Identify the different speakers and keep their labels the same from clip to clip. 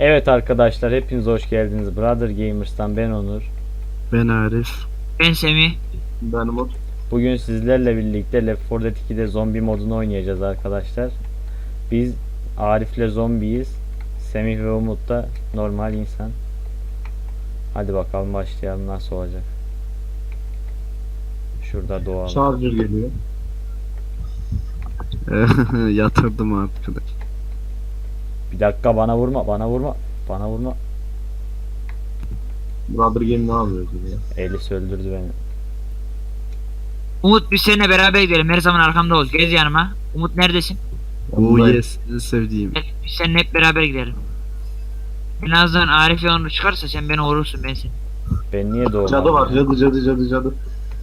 Speaker 1: Evet arkadaşlar, hepiniz hoş geldiniz. Brother Gamers'tan ben Onur.
Speaker 2: Ben Arif.
Speaker 3: Ben Semih.
Speaker 4: Ben Umut.
Speaker 1: Bugün sizlerle birlikte Left 4 Dead 2'de zombi modunu oynayacağız arkadaşlar. Biz Arif'le zombiyiz. Semih ve Umut da normal insan. Hadi bakalım başlayalım, nasıl olacak. Şurada doğalım.
Speaker 4: Charger geliyor.
Speaker 2: Yatırdım arkadaş.
Speaker 1: Bir dakika, bana vurma. Bana vurma.
Speaker 4: Brother Game ne yapıyor ya?
Speaker 1: Elis öldürdü beni.
Speaker 3: Umut, biz seninle beraber gidelim. Her zaman arkamda ol. Gez yanıma. Umut neredesin?
Speaker 2: Oh
Speaker 4: Yanındayım.
Speaker 2: yes, en sevdiğim.
Speaker 3: Gel, biz seninle hep beraber gidelim. En azından Arif ve Onur çıkarsa sen beni vurursun, ben seni.
Speaker 1: Ben niye doğmadım?
Speaker 4: Cadı var. Cadı.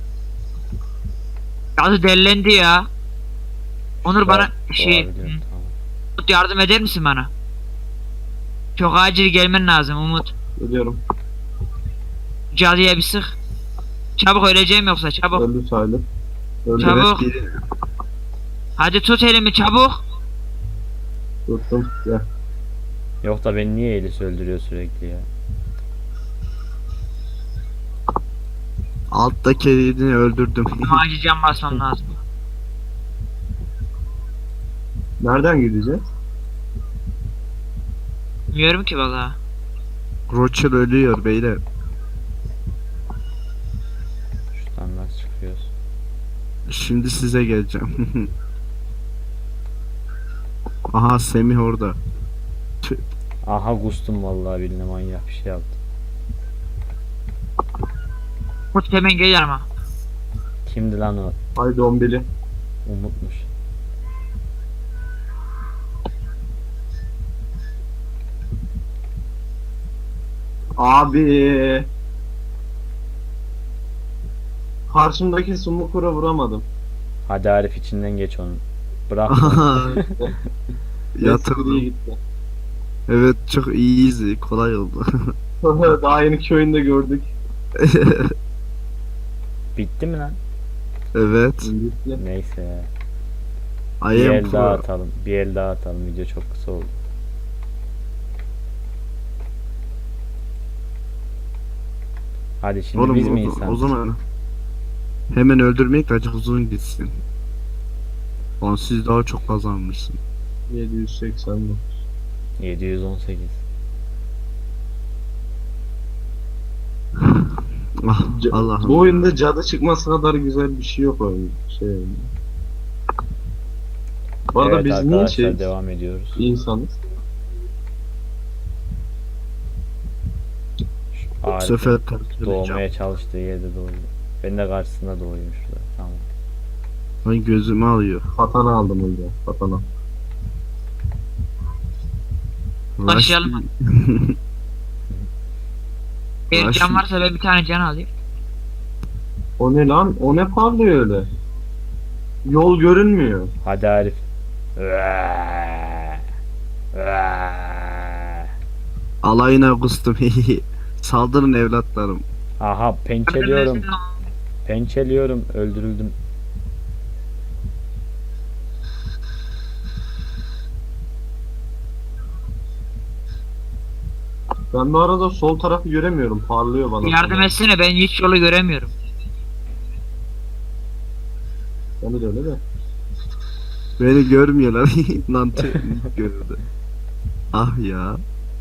Speaker 3: Cadı dellendi ya. Onur bana
Speaker 1: Doğabiliyorum, tamam.
Speaker 3: Umut, yardım eder misin bana? Çok acil gelmen lazım Umut.
Speaker 4: Ölüyorum.
Speaker 3: Cadıya bir sık. Çabuk, öleceğim yoksa çabuk.
Speaker 4: Öldü sayılır. Öldü.
Speaker 3: Çabuk.
Speaker 2: Evet, biri.
Speaker 3: Hadi tut elimi çabuk.
Speaker 4: Tuttum. Gel.
Speaker 1: Yok da beni niye Elis öldürüyor sürekli ya?
Speaker 2: Alttaki elini öldürdüm.
Speaker 3: Ama acil can basmam lazım.
Speaker 4: Nereden gideceğiz?
Speaker 3: Bilmiyorum ki vallahi.
Speaker 2: Rocher ölüyor beyler.
Speaker 1: Şuradan nasıl çıkıyoruz?
Speaker 2: Şimdi size geleceğim. Aha, Semih orada.
Speaker 1: Aha, kustum vallahi, billahi manyak bir şey yaptım.
Speaker 3: Umut hemen gel yanıma.
Speaker 1: Kimdi lan o?
Speaker 4: Haydi 11'li.
Speaker 1: Umutmuş.
Speaker 4: Abi. Karşımdaki sumukura vuramadım.
Speaker 1: Hadi Arif, içinden geç onu. Bırak.
Speaker 2: Aha,
Speaker 4: Eskiye
Speaker 2: yatırdım.
Speaker 4: gitti.
Speaker 2: Evet, çok easy, kolay oldu.
Speaker 4: Daha yeni köyünde gördük.
Speaker 1: Bitti mi lan?
Speaker 2: Evet.
Speaker 4: Gitti.
Speaker 1: Neyse ya.
Speaker 2: I
Speaker 1: Bir
Speaker 2: am
Speaker 1: el daha
Speaker 2: pro.
Speaker 1: atalım. Bir el daha atalım. Video çok kısa oldu. Hadi şimdi
Speaker 2: Oğlum,
Speaker 1: biz mi
Speaker 2: o
Speaker 1: insanız?
Speaker 2: zaman hemen öldürmek de acık uzun gitsin. Lan siz daha çok kazanmışsın.
Speaker 4: 780 bu.
Speaker 1: 718.
Speaker 2: Ah, Allah'ım.
Speaker 4: Bu oyunda cadı çıkması kadar güzel bir şey yok oyun. Bu arada
Speaker 1: Evet
Speaker 4: biz niye
Speaker 1: arkadaşlar, devam ediyoruz.
Speaker 4: insanız?
Speaker 2: Bu
Speaker 1: Arif
Speaker 2: sefer karşılayacağım.
Speaker 1: doğmaya çalıştığı yerde doğuyor. Ben de karşısında doğuyum şurada. Tamam.
Speaker 2: Lan gözümü alıyor.
Speaker 4: Patana aldım önce. Patana.
Speaker 3: Başlayalım. Eğer
Speaker 2: Başla.
Speaker 3: can varsa ben bir tane can alayım.
Speaker 4: O ne lan? O ne parlıyor öyle? Yol görünmüyor.
Speaker 1: Hadi Arif. Vaa! Vaa!
Speaker 2: Alayına kustum. Saldırın evlatlarım.
Speaker 1: Aha, pençeliyorum. Pençeliyorum. Öldürüldüm.
Speaker 4: Ben bu arada sol tarafı göremiyorum. Parlıyor bana.
Speaker 3: Yardım etsene, ben hiç yolu göremiyorum.
Speaker 4: Beni de öyle de.
Speaker 2: Beni görmüyorlar. Lan gördü. Ah ya.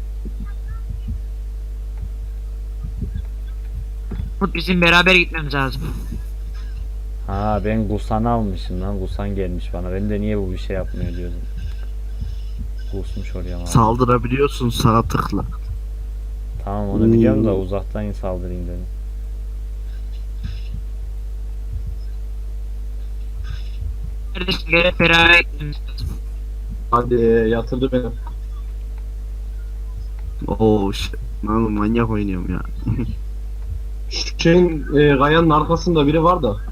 Speaker 3: Umut, bizim beraber gitmemiz lazım.
Speaker 1: Ha, ben Gusan'ı almışım lan. Gusan gelmiş bana. Ben de niye bu bir şey yapmıyor diyordum. Gusmuş oraya mı?
Speaker 2: Saldırabiliyorsun, sağ tıkla.
Speaker 1: Tamam, onu biliyorum da uzaktan saldırayım dedim.
Speaker 3: Neredesin? Gel hep beraber gitmemiz lazım.
Speaker 4: Hadi yatırdı beni.
Speaker 2: Oo shit. Lan manyak oynuyorum ya.
Speaker 4: Şu şeyin kayanın arkasında biri var da.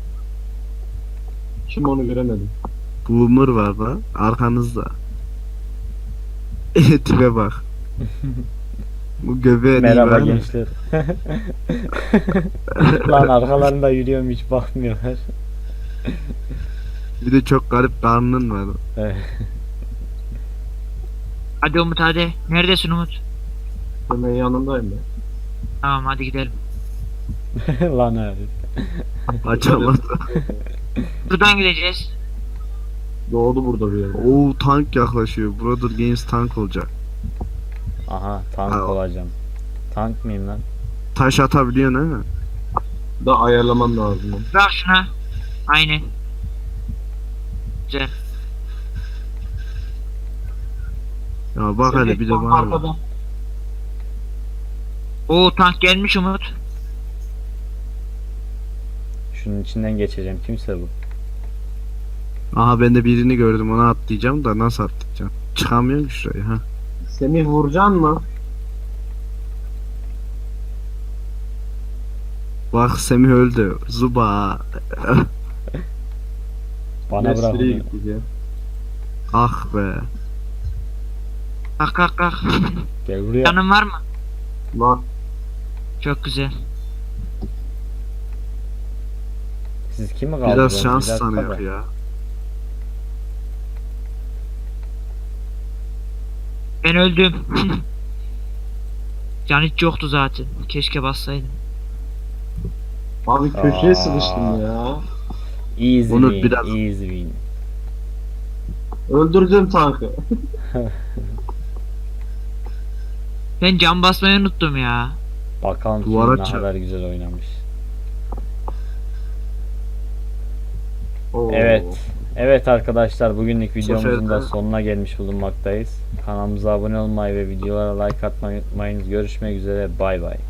Speaker 4: Kim onu göremedim.
Speaker 2: Boomer var da arkanızda. Tipe bak. Bu göbeğe
Speaker 1: Merhaba gençler. Lan arkalarında yürüyorum, hiç bakmıyorlar.
Speaker 2: Bir de çok garip karnın var.
Speaker 1: Evet.
Speaker 3: Hadi Umut hadi. Neredesin Umut?
Speaker 4: Hemen yanındayım ben.
Speaker 3: Tamam hadi gidelim.
Speaker 1: Lan Arif.
Speaker 2: Açamadı.
Speaker 3: Buradan gideceğiz.
Speaker 4: Doğdu burada bir yerde.
Speaker 2: Oo, tank yaklaşıyor. Brother Games tank olacak.
Speaker 1: Aha tank
Speaker 2: Aa.
Speaker 1: olacağım. Tank mıyım lan?
Speaker 2: Taş atabiliyorsun ha?
Speaker 4: Da ayarlaman lazım. onu.
Speaker 3: Bak şuna. Aynen. Güzel.
Speaker 2: Ya bak hele bir de
Speaker 4: Tam
Speaker 2: bana bak.
Speaker 4: arkada.
Speaker 3: Oo tank gelmiş Umut.
Speaker 1: Şunun içinden geçeceğim. Kimse bu.
Speaker 2: Aha ben de birini gördüm, ona atlayacağım da nasıl atlayacağım? Çıkamıyorum ki şuraya ha.
Speaker 4: Semih vuracaksın mı?
Speaker 2: Bak Semih öldü. Zuba.
Speaker 1: Bana bırak
Speaker 4: Nesli'ye
Speaker 1: onu.
Speaker 4: gittik ya.
Speaker 2: Ah be.
Speaker 3: Kalk kalk kalk.
Speaker 1: Gel buraya.
Speaker 3: Canın var mı?
Speaker 4: Var.
Speaker 3: Çok güzel.
Speaker 1: Siz kimi kaldırdınız?
Speaker 2: Biraz şans
Speaker 1: Bir dakika
Speaker 2: sanıyor
Speaker 1: da.
Speaker 2: ya.
Speaker 3: Ben öldüm. Can hiç yoktu zaten. Keşke bassaydım.
Speaker 4: Abi köşeye
Speaker 1: Aa.
Speaker 4: sıkıştım ya.
Speaker 1: Easy
Speaker 2: Onu
Speaker 1: win.
Speaker 2: biraz-
Speaker 1: Easy win.
Speaker 4: Öldürdüm tankı.
Speaker 3: Ben can basmayı unuttum ya.
Speaker 1: Bakalım kim
Speaker 2: Duvara
Speaker 1: ne
Speaker 2: çarp.
Speaker 1: kadar güzel oynamış.
Speaker 4: Oo.
Speaker 1: Evet. Evet arkadaşlar, bugünlük videomuzun
Speaker 2: sefer
Speaker 1: da
Speaker 2: de-
Speaker 1: sonuna gelmiş bulunmaktayız. Kanalımıza abone olmayı ve videolara like atmayı unutmayınız. Görüşmek üzere. Bay bay.